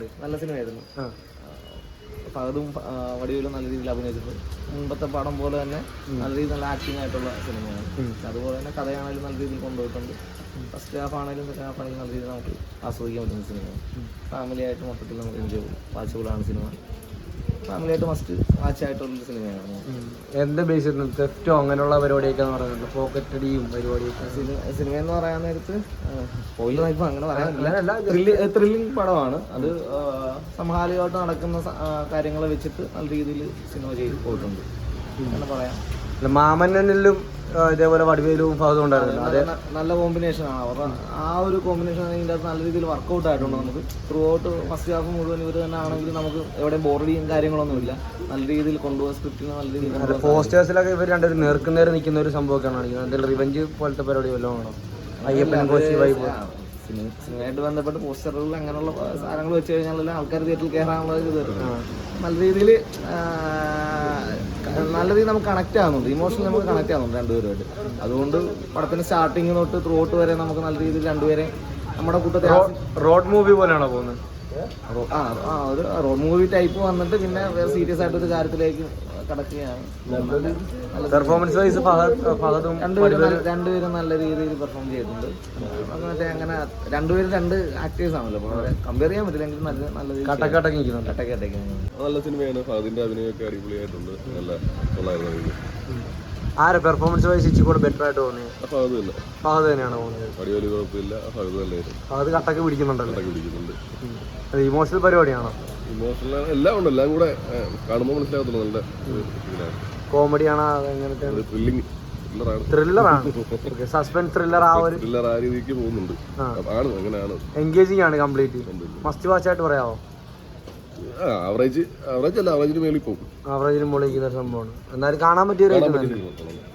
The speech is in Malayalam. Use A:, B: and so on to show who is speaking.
A: നല്ല സിനിമയായിരുന്നു. ഫഹദും വടിവേലും നല്ല രീതിയിൽ അഭിനയിച്ചിട്ടുണ്ട്. മുമ്പത്തെ പടം പോലെ തന്നെ നല്ല രീതിയിൽ നല്ല ആക്ടിങ് ആയിട്ടുള്ള സിനിമയാണ്. അതുപോലെ തന്നെ കഥയാണെങ്കിലും നല്ല രീതിയിൽ കൊണ്ടുപോയിട്ടുണ്ട്. ഫസ്റ്റ് ഹാഫ് ആണെങ്കിലും സെക്കൻഡ് ഹാഫ് ആണെങ്കിലും നല്ല രീതിയിൽ നമുക്ക് ആസ്വദിക്കാൻ പറ്റുന്ന സിനിമയാണ്. ഫാമിലി ആയിട്ട് മൊത്തത്തിൽ നമുക്ക് എൻജോയ് വാച്ചബിളാണ് സിനിമ. ഫാമിലി ആയിട്ട് മസ്റ്റ് വാച്ച് ആയിട്ടുള്ളൊരു സിനിമയാണ്.
B: എന്താ ബേസ് ചെയ്യുന്നത്? തെഫ്റ്റോ അങ്ങനെയുള്ള പരിപാടിയൊക്കെ പറയുന്നുണ്ട്, പോക്കറ്റ് അടിയും പരിപാടിയൊക്കെ.
A: സിനിമ എന്ന് പറയാൻ നേരത്ത് ഇപ്പം അങ്ങനെ പറയാനില്ല. ത്രില്ലിംഗ് പടമാണ് അത്. സമകാലികമായിട്ട് നടക്കുന്ന കാര്യങ്ങളെ വെച്ചിട്ട് നല്ല രീതിയിൽ സിനിമ ചെയ്ത് പോയിട്ടുണ്ട് എന്ന് പറയാം.
B: മാമന്നനിലും ഇതേപോലെ വടിവേലും ഫഹദും ഉണ്ടായിരുന്നു.
A: അതെ, നല്ല കോമ്പിനേഷനാണ് അവരുടെ. ആ ഒരു കോമ്പിനേഷൻ അതിൻ്റെ അകത്ത് നല്ല രീതിയിൽ വർക്കൗട്ട് ആയിട്ടുണ്ട്. നമുക്ക് ത്രൂ ഔട്ട് ഫസ്റ്റ് ഹാഫ് മുഴുവൻ ഇവർ തന്നെ ആണെങ്കിൽ നമുക്ക് എവിടെയും ബോറടിയും കാര്യങ്ങളൊന്നുമില്ല. നല്ല രീതിയിൽ കൊണ്ടുപോകാൻ സ്ക്രിപ്റ്റിന് നല്ല രീതിയിൽ.
B: പോസ്റ്റേഴ്സിലൊക്കെ ഇവർ രണ്ടുപേരും നേർക്കുനേരെ നിൽക്കുന്ന ഒരു സംഭവമൊക്കെയാണ് കാണിക്കുന്നത്. എന്തെങ്കിലും റിവെഞ്ച് പോലത്തെ പരിപാടി വല്ലതും ആണോ? അയ്യപ്പൻ കോശി വൈബ്
A: സിനിമയായിട്ട് ബന്ധപ്പെട്ട് പോസ്റ്ററുകളിൽ അങ്ങനെയുള്ള സാധനങ്ങൾ വെച്ച് കഴിഞ്ഞാൽ ആൾക്കാർ തിയേറ്ററിൽ കയറാനുള്ള ഇത് നല്ല രീതിയിൽ നമുക്ക് കണക്ട് ആകുന്നുണ്ട്. ഇമോഷണലി നമുക്ക് കണക്ട് ആകുന്നുണ്ട് രണ്ടുപേരുമായിട്ട്. അതുകൊണ്ട് പടത്തിന് സ്റ്റാർട്ടിങ് തൊട്ട് ത്രൂ ഔട്ട് വരെ നമുക്ക് നല്ല രീതിയിൽ രണ്ടുപേരെ നമ്മുടെ കൂട്ടത്തിൽ
B: റോഡ് മൂവി പോലെയാണോ പോകുന്നത്?
A: ഒരു റോഡ് മൂവി ടൈപ്പ് വന്നിട്ട് പിന്നെ സീരിയസ് ആയിട്ടൊരു കാര്യത്തിലേക്ക് കടക്കുകയാണ്.
B: പെർഫോമൻസ് വൈസ്
A: രണ്ടുപേരും നല്ല രീതിയിൽ പെർഫോം ചെയ്തിട്ടുണ്ട്. മറ്റേ അങ്ങനെ രണ്ടുപേരും രണ്ട് ആക്ടേഴ്സ് ആണല്ലോ, കമ്പയർ ചെയ്യാൻ പറ്റില്ലെങ്കിൽ നല്ല രീതിയിൽ കട്ടക്കട്ടൊക്കെ
C: നല്ല സിനിമയാണ്. ഫഹദിന്റെ അഭിനയമൊക്കെ അടിപൊളിയായിട്ടുണ്ട്. നല്ല കൊള്ളായിരുന്നു.
B: ആരെ പെർഫോമൻസ് വൈസ് ഇച്ചിരി കൂടെ ബെറ്റർ ആയിട്ട് തോന്നിയത്?
C: ഫഹദ് തന്നെ.
B: ഫഹദ് തന്നെയാണ് പോകുന്നത്.
C: വടിവേലു കുഴപ്പമില്ല, ഫഹദ് നല്ലായിരുന്നു.
B: ഫഹദ് കട്ടൊക്കെ പിടിക്കുന്നുണ്ടല്ലോ.
C: പിടിക്കുന്നുണ്ട്.
B: അത് ഇമോഷണൽ പരിപാടിയാണോ?
C: ഇമോഷണൽ എല്ലാം ഉണ്ട്. എല്ലാം കൂടെ കാണുമ്പോൾ മനസ്സിലാകത്തുള്ളൂ. നല്ല
B: കോമഡിയാണോ? എങ്ങനത്തെ ത്രില്ലറാണ്? സസ്പെൻസ് ത്രില്ലർ ആ ഒരു
C: ത്രില്ലർ ആ രീതിക്ക് പോകുന്നുണ്ട്. അങ്ങനെയാണ്.
B: എൻഗേജിങ് ആണ് കംപ്ലീറ്റ്. മസ്റ്റ് വാച്ച് ആയിട്ട് പറയാമോ?
C: ആവറേജ് അല്ല, ആവറേജിന് മേളിൽ പോകും.
B: ആവറേജിന് മുകളിൽ സംഭവമാണ്. എന്നാലും കാണാൻ പറ്റിയ